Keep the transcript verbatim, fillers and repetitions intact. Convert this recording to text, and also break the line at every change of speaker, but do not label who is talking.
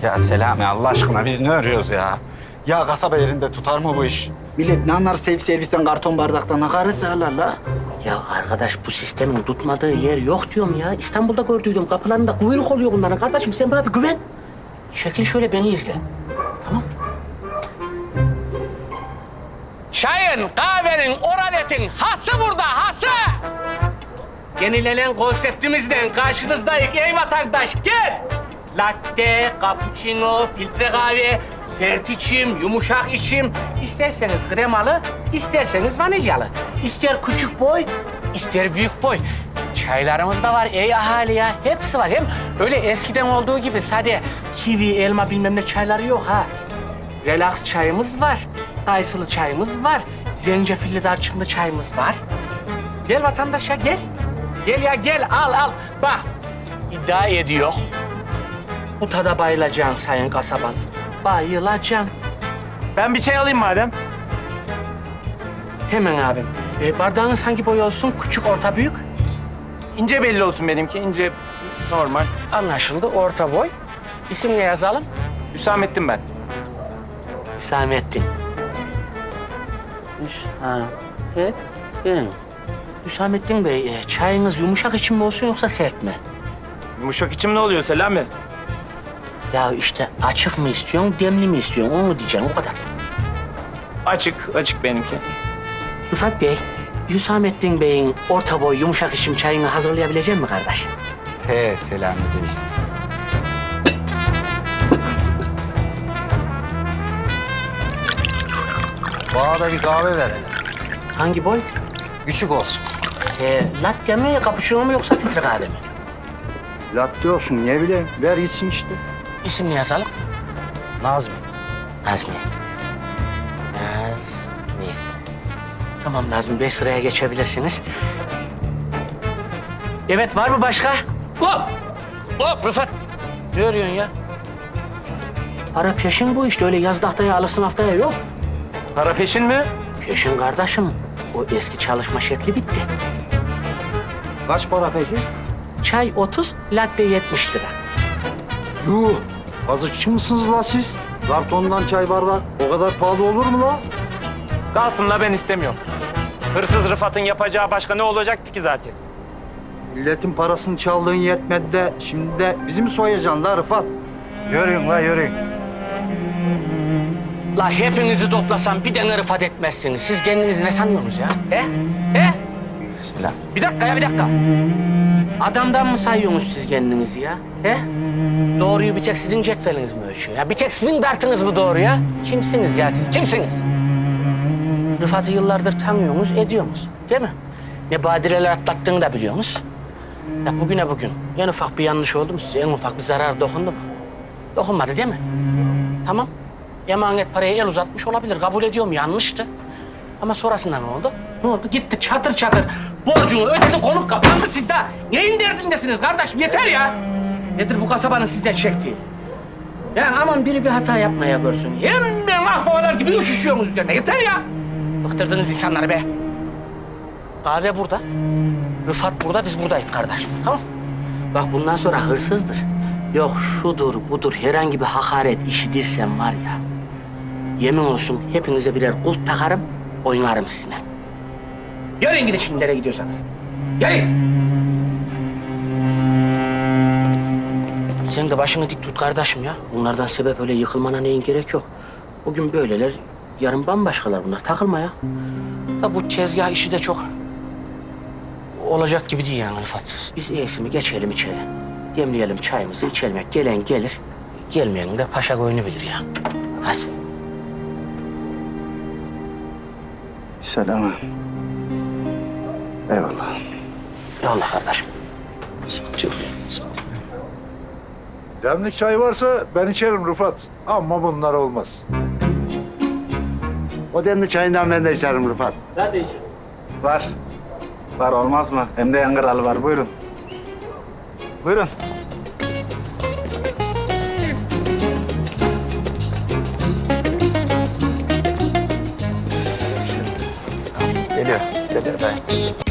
Ya Selami Allah aşkına biz ne arıyoruz ya? Ya kasaba yerinde tutar mı bu iş? Millet ne anlar safe servisten, karton bardaktan, akarı sağlar la.
Ya arkadaş bu sistemin tutmadığı yer yok diyorum ya. İstanbul'da gördüydüm. Kapılarında kuyruk oluyor bunların. Kardeşim sen bana bir güven. Şekil şöyle beni izle. Tamam. Çayın, kahvenin, oraletin hası burada, hası! Yenilenen konseptimizden karşınızdayız ey vatandaş. Gel! Latte, cappuccino, filtre kahve, sert içim, yumuşak içim. İsterseniz kremalı, isterseniz vanilyalı. İster küçük boy, ister büyük boy. Çaylarımız da var ey ahali ya. Hepsi var. Hem öyle eskiden olduğu gibi sade kivi, elma bilmem ne çayları yok ha. Relax çayımız var. Kayısılı çayımız var. Zencefilli darçınlı çayımız var. Gel vatandaş ya gel. Gel ya gel al al. Bak iddia ediyor. Bu tada bayılacaksın sayın kasaban. Bayılacaksın.
Ben bir çay alayım madem.
Hemen abim. E, bardağınız hangi boy olsun? Küçük, orta, büyük?
İnce belli olsun benimki. İnce normal.
Anlaşıldı. Orta boy. İsim ne yazalım?
Hüsamettin ben.
Hüsamettin. Hüsamettin. Hüsamettin Bey, e, çayınız yumuşak içim mi olsun yoksa sert mi?
Yumuşak içim ne oluyor Selami?
Ya işte açık mı istiyorsun, demli mi istiyorsun? Onu mu diyeceksin, o kadar.
Açık, açık benimki.
Rıfat Bey, Hüsamettin Bey'in orta boy yumuşak içim çayını hazırlayabilecek mi kardeş?
He Selami değil.
Bana da bir kahve ver hele.
Hangi boy?
Küçük olsun.
E, latte mi, cappuccino mu yoksa filtre kahve mi?
Latte olsun ne bileyim. Ver gitsin işte.
İsim ne yazalım?
Nazmi.
Nazmi. Nazmi. Tamam Nazmi Bey, sıraya geçebilirsiniz. Evet, var mı başka? Hop! Hop Rıfat! Ne arıyorsun ya? Para peşin bu işte. Öyle yaz tahtaya alırsın haftaya yok.
Para peşin mi?
Peşin kardeşim. O eski çalışma şekli bitti.
Kaç para peki?
Çay otuz, latte yetmiş lira.
Yuh. Kazıkçı mısınız la siz? Kartondan çay bardağı o kadar pahalı olur mu la?
Kalsın la ben istemiyorum. Hırsız Rıfat'ın yapacağı başka ne olacaktı ki zaten?
Milletin parasını çaldığın yetmedi de şimdi de bizi mi soyacaksın la Rıfat? Yürüyün la yürüyün.
La hepinizi toplasam bir tane Rıfat etmezsiniz. Siz kendinizi ne sanıyorsunuz ya? He? He?
Selam.
Bir dakika ya, bir dakika. Adamdan mı sayıyorsunuz siz kendinizi ya? He? Doğruyu bir tek sizin cetveliniz mi ölçüyor? Ya bir tek sizin dartınız mı doğru ya? Kimsiniz ya siz? Kimsiniz? Rıfat'ı yıllardır tanıyorsunuz, ediyorsunuz. Değil mi? Ne badireler atlattığını da biliyorsunuz. Ya bugüne bugün en ufak bir yanlış oldu mu size? En ufak bir zarar dokundu mu? Dokunmadı değil mi? Tamam. Emanet paraya el uzatmış olabilir. Kabul ediyorum, yanlıştı. Ama sonrasında ne oldu? Ne oldu? Gitti çatır çatır. Borcunu ödedi, konuk kapandı sizde. Neyin derdindesiniz kardeşim? Yeter ya. Nedir bu kasabanın sizden çektiği? Ya aman biri bir hata yapmaya görsün. Hemen ahbabalar gibi üşüşüyorsunuz üzerine. Yeter ya. Bıktırdınız insanları be. Kahve burada. Rıfat burada, biz buradayız kardeş. Tamam. Bak bundan sonra hırsızdır. Yok şudur budur herhangi bir hakaret işitirsem var ya. Yemin olsun hepinize birer kulp takarım, oynarım sizinle. Yürüyün gidin şimdi nereye gidiyorsanız. Yürüyün. Sen de başını dik tut kardeşim ya. Bunlardan sebep öyle yıkılmana neyin gerek yok. Bugün böyleler, yarın bambaşkalar bunlar. Takılma ya. Da bu tezgah işi de çok olacak gibi değil yani Rıfat. Biz iyisi mi geçelim içeri. Demleyelim çayımızı, içelim. Gelen gelir, gelmeyen de paşa koyunu bilir ya. Hadi.
Selam. Eyvallah.
Eyvallah kardeşim.
Demlik çay varsa ben içerim Rıfat. Ama bunlar olmaz.
O demli çayından ben de içerim Rıfat.
Ben de içerim.
Var. Var olmaz mı? Hem de yangıralı var. Buyurun. Buyurun. Geliyor. Geliyor. Ben.